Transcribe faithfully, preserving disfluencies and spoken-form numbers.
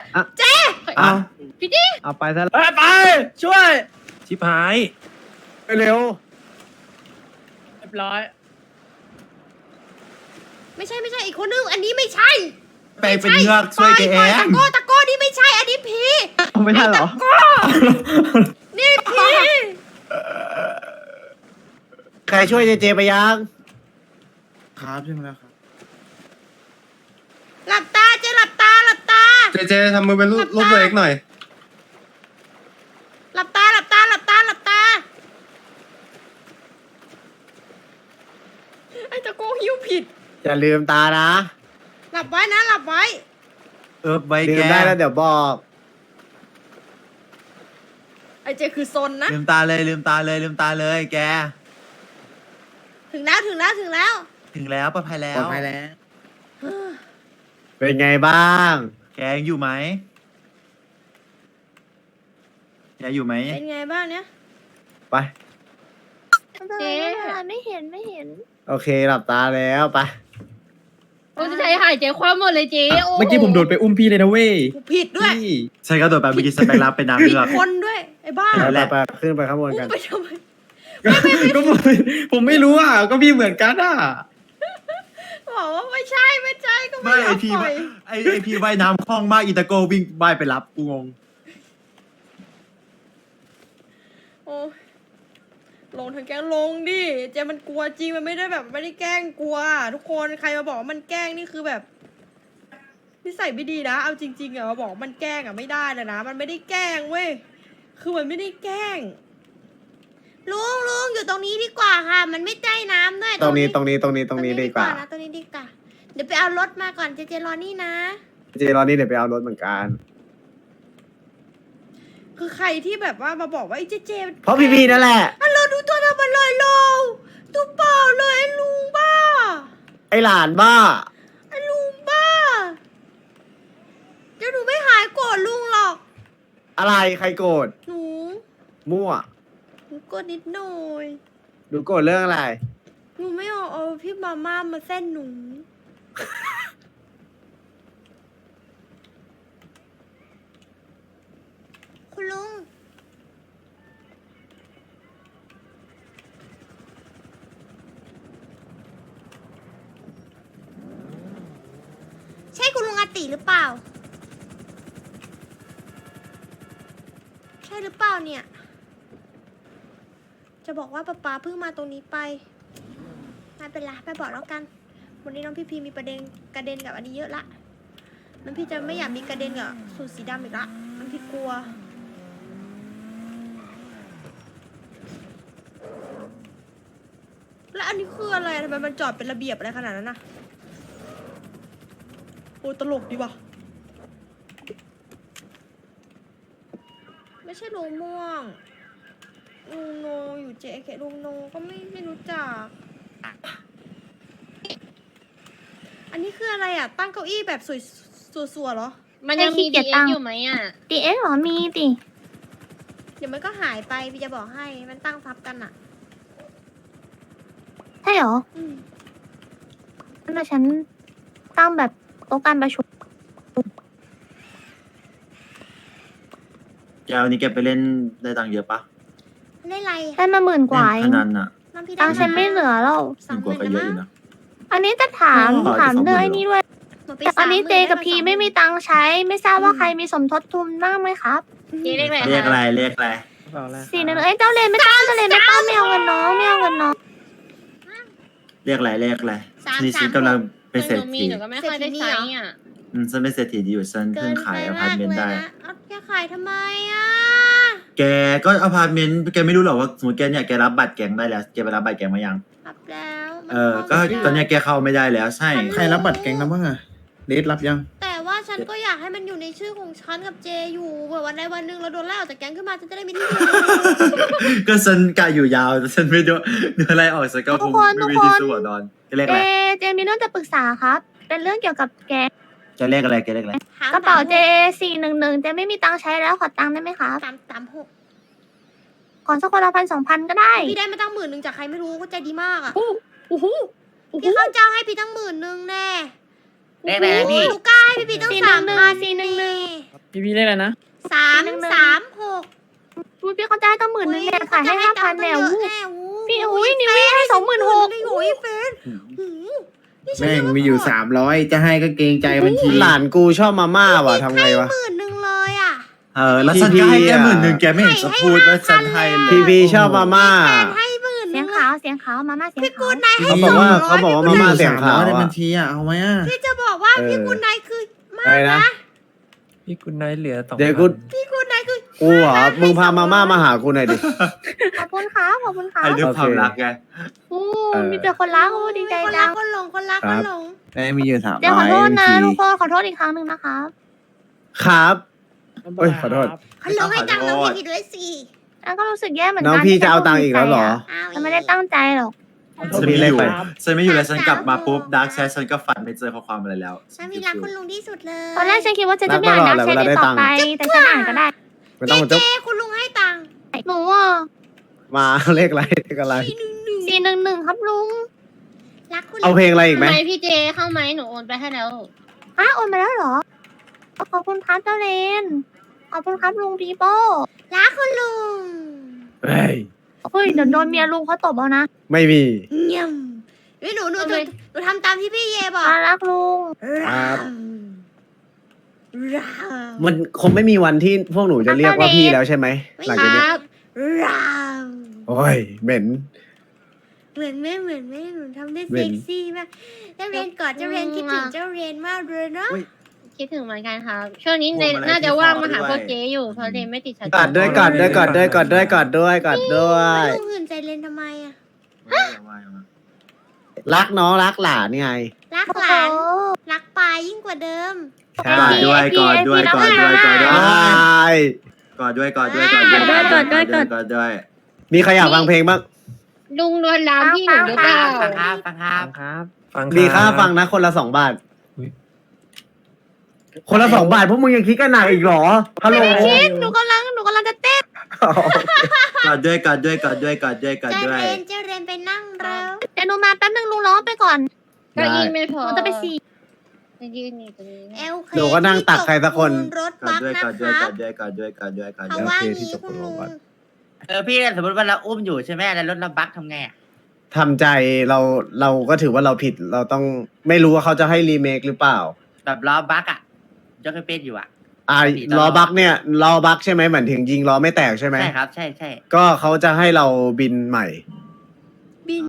เจ๊อ่ะพี่ดิเอาไปซะไปไปช่วยชิบหายไปเร็วเรียบร้อยไม่ใช่ไม่ใช่อีกคนนึงอันนี้ไม่ใช่ไปเป็นเงือกช่วยแกเอปล่อยตะงโก้ตะโก้นี่ไม่ใช่อันนี้ผีเอาไม่ได้เหรอโก้นี่ผีใครช่วยเจเจไปยังครับใช่ไหมครับหลับตาเจ๊หลับตาหลับตาเจเจทำมือเป็นรูปรูปตัวเองหน่อยหลับตาหลับตาหลับตาหลับตาไอ้ตะโก้หิ้วผิดอย่าลืมตานะหลับไว้นะหลับไว้เออใบลืแกมได้แล้วเดี๋ยวบอกไอ้เจคือซนนะลืมตาเลยลืมตาเลยลืมตาเลยแกถึงแล้วถึงแล้วถึงแล้วถึงแล้วปลอดภัยแล้วปลอดภัยแล้ว เป็นไงบ้างแกยังอยู่ไหมแกอยู่ไหมเป็นไงบ้างเนี่ยไปเจ๊ไม่เห็นไม่เห็นโอเคหลับตาแล้วไปโอ้จะใจหายใจความหมดเลยเจ๊โอ้เมื่อกี้ผมโดดไปอุ้มพี่เลยนะเว้ยกูผิดด้วยพี่ใช่ก็โดดไปเมื่อกี้สเปกรับเป็นน้ำผิเลืดอกคนด้วยไอ้บ้าไปนั่นแหละไปขึ้นไปข้างบนอุ้กัมนไปทำไมก็ผมผมไม่รู้อ่ะ ก็พี่เหมือนกันอ่ะบอกว่าไม่ใช่ไม่ใช่ก็ไม่ไม่ไอยอมพีปล่อยไอไอพีว่ายน้ำคล่องมากอีตาโกวิ่งว่ายไปรับกูงงโอ้ยลงทางแกล้งลงดิเจมันกลัวจริงมันไม่ได้แบบไม่ได้แกล้งกลัว ทุกคนใครมาบอกว่ามันแกล้งนี่คือแบบนิสัยไม่ดีนะเอาจริงๆอะมาบอกว่ามันแกล้งอะไม่ได้เลยนะมันไม่ได้แกล้งเว้ยคือมันไม่ได้แกล้งลุงลุงอยู่ตรงนี้ดีกว่าค่ะ มันไม่ใกล้น้ำด้วยตรงนี้ตรงนี้ตรงนี้ตรงนี้ดีกว่านะตรงนี้ดีกว่าเดี๋ยวไปเอารถมาก่อนเจเจรอนี่นะเจรอนี่เดี๋ยวไปเอารถเหมือนกันคือใครที่แบบว่ามาบอกว่าไอ้เจเจเพราะพี่พีนั่นแหละอ่ะเราดูตัวทำอะไรเราดูเปล่าเลยไอ้ลุงบ้าไอหลานบ้าไอ้ลุงบ้าเดี๋ยวหนูไม่หายโกรธลุงหรอกอะไรใครโกรธหนูมั่วหนูโกรธนิดหน่อยดูโกรธเรื่องอะไรหนูไม่เอาเอาพี่มาม่ามาเส้นหนูคุณลุงใช่คุณลุงอาติหรือเปล่า ใช่หรือเปล่าเนี่ย จะบอกว่าป๊าป๊าเพิ่งมาตรงนี้ไปไม่เป็นไรไม่บอกแล้วกัน วันนี้น้องพี่พีมีประเด็นกระเด็นกับอันนี้เยอะละน้องพี่จะไม่อยากมีกระเด็นกับสูตรสีดำอีกละน้องพี่กลัว แล้วอันนี้คืออะไรทำไมมันจอดเป็นระเบียบอะไรขนาดนั้นนะโอ้ตลกดีว่ะไม่ใช่ลุงม่วงลุงโนอยู่เจเคลุงโนก็ไม่ไม่รู้จัก อันนี้คืออะไรอ่ะ ตั้งเก้าอี้แบบสวยสัวๆเหรอมันยังมีให้ขี้เกีดียจตั้งอยู่ไหมอ่ะดีเอ็กเหรอ มีดิเดี๋ยวมันก็หายไปพี่จะบอกให้ มันตั้งทับกันอ่ะใช่เหรออืมงั้นเดี๋ยวฉันตั้งแบบโต๊ะการประชุมแกวันนี้แกไปเล่นได้ตังค์เยอะปะเล่นอะไรได้มาหมื่นกว่าเอเล่นพงนันอ่ะน้ำพี่ได้ตังค์ฉันไม่เหลือแล้วหนึ่งกว่าก็เยอะอยู่นะอันนี้จะถามอ๋อถามจะสองหมื่นเรื่องไอ้นี้ด้วยหมดไปแต่ตอนนี้สามหเจมื่กับพีไม่มีตังค์ใช้ ไม่ทราบว่าใครมีสมทบทุนบ้างไหมครับเจ๊เรียกอะไรเรียกอะไรคะเรียกอะไรสี่หนึ่งเอ้ยเจ้าเลนไม่ต้องเจ้าเลนไม่ต้องไม่เอาเงินน้องไม่เอาเงินน้องเรียกอะไรเรียกอะไรสามนี่สาฉัมนกำลังเป็นหเศรษนูมีฐีหนูก็ไม่ค่อยได้ใช้อ่ะอืมฉันเป็นเศรษฐีดีอยู่ฉันเกิเพิ่งนขายไปอพาร์มาตกเมนต์เลยได้นะเอาแกขายทำไมอ่ะแกก็อพาร์ตเมนต์แกไม่รู้หรอว่าสมมติแกเนี่ยแกรับบัตรแกงได้แล้วแกไปรับบัตรแกงมายังรับแล้วมันเออ ก็เข้าไม่ได้ตอนเนี้ยแกเข้าไม่ได้แล้วใช่ใครรับบัตรแก๊งแล้วบ้างอะเลดรับยังแต่ว่าฉันก็อยากให้มันอยู่ในชื่อของฉันกับเจอยู่เผื่อวันใดวันหนึ่งเราโดนไล่ออกจากแก๊งขึ้นมาฉันจะได้มีที่อยู่ก็ฉันกะอยู่ยาวแต่ฉันไม่โดนโดนอะไรออกฉันก็คงไม่มีที่สู้อะดอนแกเรียกเจอะไรเจมีเรื่องจะปรึกษาครับ เป็นเรื่องเกี่ยวกับแกแกเรียกอะไรแกเรียกอะไรหางกระเป๋าเจสมหสี่หนึ่งหนึ่งเจไม่มีตังค์ใช้แล้วขอตังค์ได้ไหมครับสามสามหกขอสักคนละพันสองพันก็ได้พี่ได้มาตั้งหมื่นหนึ่งจากใครไม่รู้ก็ใจดีมากอ่ะโอ้โหพี่ข้าวเจ้าให้พี่ตั้งหมื่นหนึ่งแน่เลขอะไรนะพี่หนูกล้าให้พี่พี่ตั้งสี่หสานึ่มงหนึ่งพันสี่หนึ่งหนึ่งพี่พี่เรียกอะไรนะสามสามหกอุ๊ยพี่เขาจะให้ตั้งหมื่นนึงเนี่ยขายให้ห้าพันเนี่ยอู้ พี่พี่อุ๊ยนิววี่ให้สองหมื่นหกโอ้ยเฟนหูนี่ฉันแม่งเรีกว่ามีอยู่สามร้อยจะให้ก็เกรงใจบัญชีหลานกูชอบมาม่าว่ะทำไงวะหมื่นหนึ่งเลยอ่ะเออแล้วฉันก็ให้แกหมื่นหนึ่งแกไม่เห็นจะพูดว่าฉันให้เลยพีพีชอบมาม่าแฟนให้หมื่นหเสีนึ่ยงงขาวเสียงขาวมาม่าเสียงพี่กูขาวนายให้เขาสบออกงว่าร้อยเขาบอกว่ามาม่าเสียงขาวในบัอะญชีอ่ะเอาไหมอ่ะพี่จะบอกว่าเออพี่กูนายคือมาอะไรนะนะพี่คุณนายเหลือสองเดี๋ยวกูพี่กูนายคือกูเหรอมึงพามาม่ามาหากูหน่อยดิขอบคุณครับขอบคุณครับให้ด้วยความรักไงโอ้เออมีแต่คนรักโอ้ดีใจคนจัรักงคนหลงคนรักคครันบหลงได้มีอยู่สามเดี๋ยวขร้ออยโทษนะบัญชีทุกคนขอโทษอีกครั้งหนึ่งนะครับครับเอ้ยขอโทษคนหลงให้ตังค์น้องพี่ผิดด้วยสิแล้วก็รู้สึกแย่เหมือนกันน้องพี่จะเอาตังค์อีกแล้วเหรออ้าวฉันไม่ได้ตั้งใจหรอกฉันไม่อยู่ฉันไม่อยู่แล้วฉันกลับมาปุ๊บดาร์กแชทฉันก็ฝันไม่เจอข้อความอะไรแล้วฉันมีรักคุณลุงที่สุดเลยตอนแรกฉันคิดว่าฉันจะไม่อ่านนักแชทอีกต่อไป แต่ฉันอ่านก็ได้ไม่ต้องมาจุ๊บเจ๊คุณลุงให้ตังค์หนูอ่ะมาเลขอะไรเลขอะไรสี่หนึ่งหนึ่งครับลุงรักคุณลุงเอาเพลงอะไรอีกไหมทำไมพี่เจเข้าไหมหนูโอนไปให้แล้วฮะโอนมาแล้วเหรอ ขอบคุณครับเจ้าเลน ขอบคุณครับลุงปีโป้รักคุณลุงเฮ้ยเฮ้ยเดี๋ยวโดนเมียลุงเขาตบเอานะไม่มีเยี่ยมเฮ้ยหนูหนูหนูหนูทำตามที่พี่เยบอกมารักลุงครับรามมันคงไม่มีวันที่พวกหนูจะเรียกว่าพี่แล้วใช่ไหมหลังคจากรันี้บรามโอ้ยเหม็นเหมือนแม่เหมือนแม่หนูทำได้เว้เซ็นกซี่มากเจ้าเรนกอดเจ้าเรนคิดถึงเจ้าเรนมากเลยเนาะคิดถึงเหมือนกันครับ ช่วงนี้เนน่าจะว่างมาหาพวกเจอยู่เพราะเจไม่ติดชัดกอดด้วยกอดด้วยกอดด้วยกอดด้วยกอดด้วยกอดด้วยลุงหื่นใจเรนทำไมอะรักน้องรักหลานไงรักหลานรักปลายิ่งกว่าเดิมใช่กอดด้วยกอดด้วยกอดด้วยกอดด้วยใช่กอดด้วยกอดด้วยกอดด้วยกอดด้วยกอดด้วยกอดด้วยมีใครอยากฟังเพลงบ้างลุงโดนลามพี่หนูหรือเปล่าฟังครับฟังครับมีค่าฟังนะคนละสองบาท คนละสองบาทพวกมึงยังคิดกันหนักอีกเหรอ ฮัลโหลคิดหนูกำลังหนูกำลังจะเต้นกอดด้วยกอดด้วยกอดด้วยกอดด้วยกอดเจ้าด้วเรยนเจ้าเรนไปนั่งแล้วเดี๋ยวหนูมาแป๊บนึงลุงร้องไปก่อนเก็ยินไม่พหอนูจะไปสี่จะยืนอยู่ตรงนี้เอลเคหนูก็นั่งตักใครสักคนรถกอบัดกด้วยนะกอดคด้วยรักอบ ดด้วยกอดด้วยกอดด้วยกอดเขาด้วยว่าโอเคงี้ที่จบคุณโรลุงงพยาบาลเออพี่สมมติว่าเราอุ้มอยู่ใช่ไหมแล้วรถเราบั๊กทำไงอ่ะทำใจเราเราก็ถือว่าเราผิดเราต้องไม่รู้ว่าเขาจะให้รีเมคหรือเปล่าแบบล้อบั๊กอ่ะยกให้เป็นอยู่อ่ะอ่าปกติตลอดล้อบักเนี่ยล้อบักใช่ไหมเหมือนถึงยิงล้อไม่แตกใช่ไหมใช่ครับ ใช่ใช่ก็เขาจะให้เราบินใหม่